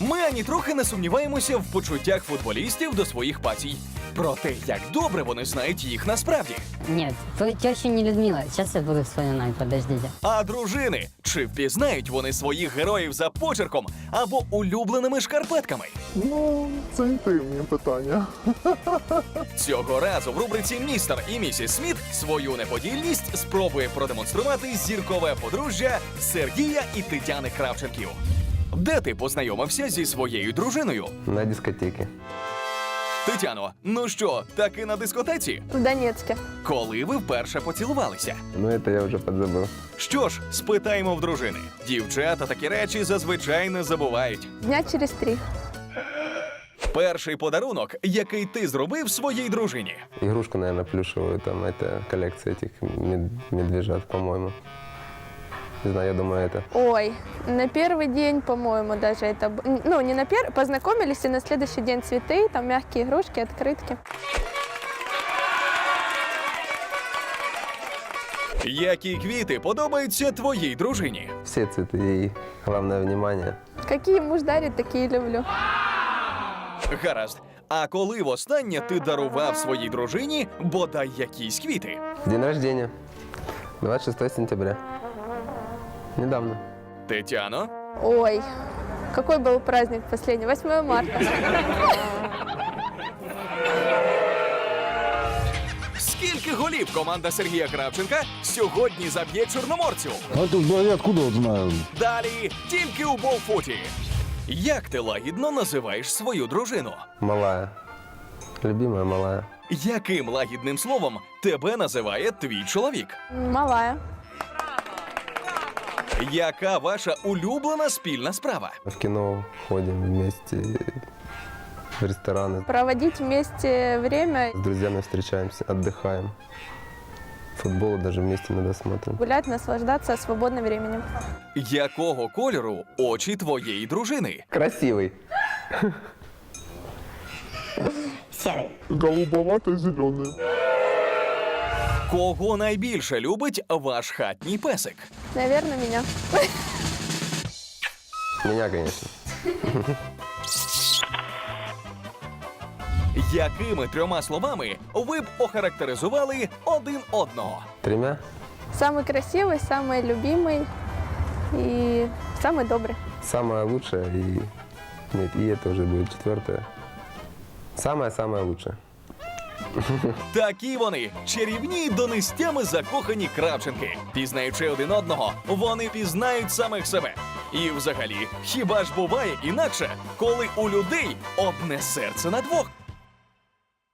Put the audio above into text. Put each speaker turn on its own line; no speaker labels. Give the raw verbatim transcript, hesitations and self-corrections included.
Ми ані трохи не сумніваємося в почуттях футболістів до своїх пасій. Про те, як добре вони знають їх насправді.
Нет, то теща не Людмила. Сейчас я буду вспоминать, подождите.
А дружини, чи впізнають вони своїх героїв за почерком або улюбленими шкарпетками?
Ну, це інтимні питання.
Цього разу в рубриці «Містер і місіс Сміт» свою неподільність спробує продемонструвати зіркове подружжя Сергія і Тетяни Кравченків. Де ти познайомився зі своєю дружиною?
На дискотеке.
Тетяно, ну що, таки на дискотеці?
В Донецке.
Коли ви вперше поцілувалися?
Ну, это я уже подзабыл.
Що ж, спитаємо в дружини. Дівчата такі речі зазвичай не забувають.
Дня через три.
Перший подарунок, який ти зробив своїй дружині.
Игрушку, наверное, плюшевую, там, это коллекция этих мед- медвежат, по-моему. Не знаю, я думаю, это.
Ой, на первый день, по-моему, даже это... б- Ну, не на первый, познакомились, и на следующий день цветы, там мягкие игрушки, открытки.
Які квіти подобаються твоїй дружині?
Все цветы и главное внимание.
Какие муж дарит, такие люблю.
Гаразд. А коли востаннє ти дарував своїй дружині бодай якісь квіти?
День рождения. двадцать шестое сентября. Недавно.
Тетяно?
Ой, какой был праздник последний? восьмое марта.
Скільки голів команда Сергія Кравченка сьогодні заб'є чорноморцю?
А тут я откуда вот знаю?
Далі тільки у Болфуті. Як ти лагідно називаєш свою дружину?
Малая. Любимая малая.
Яким лагідним словом тебе називає твій чоловік?
Малая.
Яка ваша улюблена спільна справа?
В кино ходим вместе, в рестораны.
Проводить вместе время,
С друзьями встречаемся, отдыхаем. Футбол даже вместе иногда смотрим.
гулять, наслаждаться свободным временем.
Якого кольору очі твоєї дружини?
Красивый.
Серый.
Голубовато-зеленый.
Кого найбільше любить ваш хатній песик?
Наверное, меня.
Меня, конечно.
Якими трьома словами ви б охарактеризували один одного?
Тремя?
Самый красивый, самый любимый и самый добрый.
Самое лучшее и... Нет, и это уже будет четвертое. Самое-самое лучшее.
Такі вони чарівні до нестями закохані Кравченки. Пізнаючи один одного, вони пізнають самих себе. І взагалі, хіба ж буває інакше, коли у людей одне серце на двох?